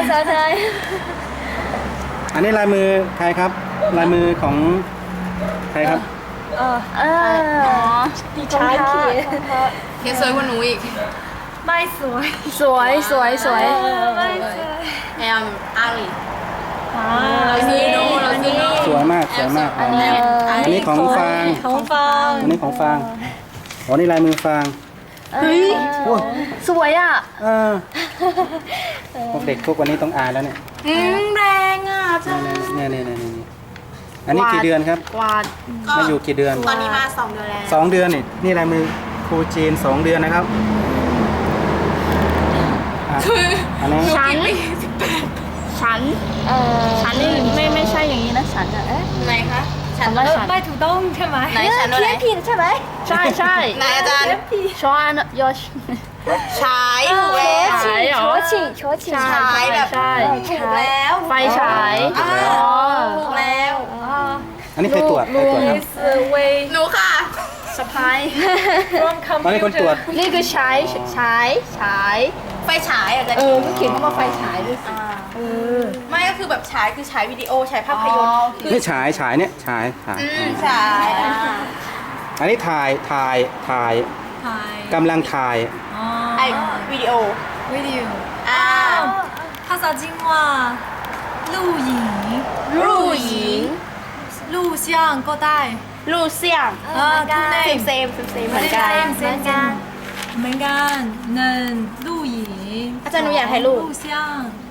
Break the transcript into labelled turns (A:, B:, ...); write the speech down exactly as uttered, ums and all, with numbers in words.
A: สาวไทย
B: อันนี้ลายมือใครครับลายมือของใครครับ
A: เออเออดิฉันเขียน
C: เขียนสวยกว่าหนูอีก
A: ไม่สวยสวยสวยสวยไม่สวย
C: แอมอาลีเราซีโนเราซีโน
B: สวยมากสวยมากอันนี้อันนี้ของฟาง
A: ของฟาง
B: อันนี้ของฟางอ๋อนี่ลายมือฟาง
A: เฮ้ยสวยอ่ะ
B: เออพวกเด็กพวกวันนี้ต้องอ่านแล้วเนี่ย
C: อืมแรงอ่ะจ้า
B: เนี่ยเนี่ยเนี่ยเนี่ยอันนี้กี่เดือนครับ
A: วาด
B: มาอยู่กี่เดือน
C: ตอนนี้มาสองเดือนแล้ว
B: สองเดือนนี่นี่ลายมือครูจีนสองเดือนนะครับอันนี้
A: ฉันฉันเออฉันนี่ไม่ไม่ใช่อย่างนี้นะฉันอ่ะเอ๊ะ
C: ไหนคะฉัน
A: ว่าฉัน
D: ไม่ถูกต้องใช่ไหม
C: ไหนฉันว่าไหน
A: ผิดใช่ไหมใช่ใช่
C: ไหนอาจารย์
A: ชอนยอช
C: ฉายถูกแล้ว
A: ฉายเหรอ
D: ชิงโชชิง
C: ฉายแบบถูกแล้ว
A: ไฟฉาย
C: ถูกแล้ว
B: อันนี้ใครตรวจใครตรวจครับ
C: หนูค่ะ
A: สะพาย
B: อันนี้คนตรวจ
A: นี่คือฉายฉายฉาย
C: ไฟฉายอาจจะ
A: เออก็เขียนคำว่าไฟฉายด้วยสิ
C: เออไม่ก็คือแบบฉายคือฉายวิดีโอฉายภาพยนตร์
B: นี่ฉายฉายเนี่ยฉายฉาย
C: ฉาย
B: อันนี้ถ่ายถ่ายถ่ายกำลังถ่าย
C: ไอวิดีโอ
D: วิดีโอ
C: อ่า
D: ภาษาจีนว่า录影
C: 录影
D: 录像ก็ได้
C: 录像
D: อ่าทุกเนม
C: เซมเซมเซมเหมือนกัน
D: เหมือนกันเหมือนกันหนึ่ง录影
C: อาจารย์หนูอยากถ่ายรูป
D: 录像